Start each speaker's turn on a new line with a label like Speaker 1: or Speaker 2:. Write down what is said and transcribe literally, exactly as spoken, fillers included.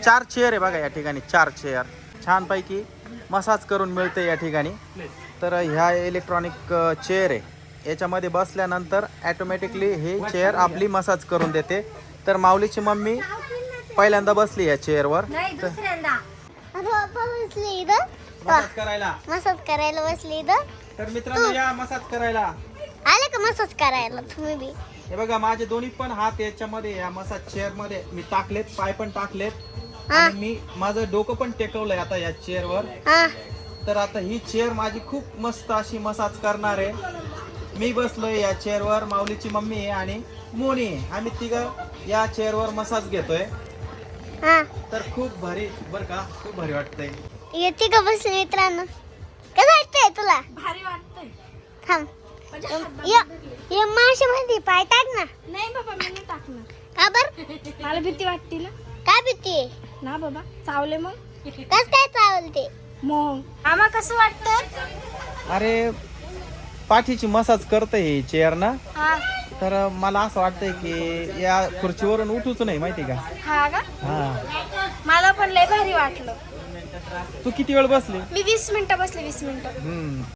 Speaker 1: चार चेअर आहे बघा या ठिकाणी, चार चेअर छानपैकी मसाज करून मिळते या ठिकाणी. तर ह्या इलेक्ट्रॉनिक चेअर आहे, याच्यामध्ये बसल्यानंतर ॲटोमॅटिकली हे चेअर आपली मसाज करून देते. तर माऊलीची मम्मी पहिल्यांदा बसली या चेअरवर मसाज करायला.
Speaker 2: मसाज करायला बसली इथं.
Speaker 1: तर मित्रांनो या मसाज करायला.
Speaker 2: आले का मसाज करायला तुम्ही बी?
Speaker 1: हे बघा माझे दोन्ही पण हात याच्यामध्ये या मसाज चेअर मध्ये मी टाकलेत, पाय पण टाकलेत आणि मी माझं डोकं पण टेकवलंय आता या चेअरवर.
Speaker 2: हा
Speaker 1: तर आता ही चेअर माझी खूप मस्त अशी मसाज करणार आहे. मी बसलोय या चेअरवर, माऊलीची मम्मी आहे आणि मोनी आहे. आम्ही तिघं या चेअरवर मसाज घेतोय.
Speaker 2: हा
Speaker 1: तर खूप भारी बर का, खूप भारी वाटतंय.
Speaker 2: येते का बसली मित्रांनो? कसं वाटतंय तुला?
Speaker 3: भारी वाटतंय.
Speaker 2: थांब ये ये माशामध्ये पाय टाक ना.
Speaker 3: नाही बाबा मी नाही टाकणार.
Speaker 2: का बर?
Speaker 3: मला भीती वाटते ना.
Speaker 2: काय भीती आहे?
Speaker 3: ना बाबा चावले मग.
Speaker 2: कस काय चावलते?
Speaker 3: मग आम्हा कसं वाटतं?
Speaker 1: अरे पाठीची मसाज करते ही चेअर ना.
Speaker 3: हा
Speaker 1: तर मला असं वाटतंय की या खुर्चीवरून उठूच नाही माहिती का.
Speaker 3: हा का?
Speaker 1: हा
Speaker 3: मला पण लय भारी वाटलं.
Speaker 1: तू किती वेळ बसली?
Speaker 3: मी वीस मिनिटं बसले वीस मिनिटं.
Speaker 1: हम्म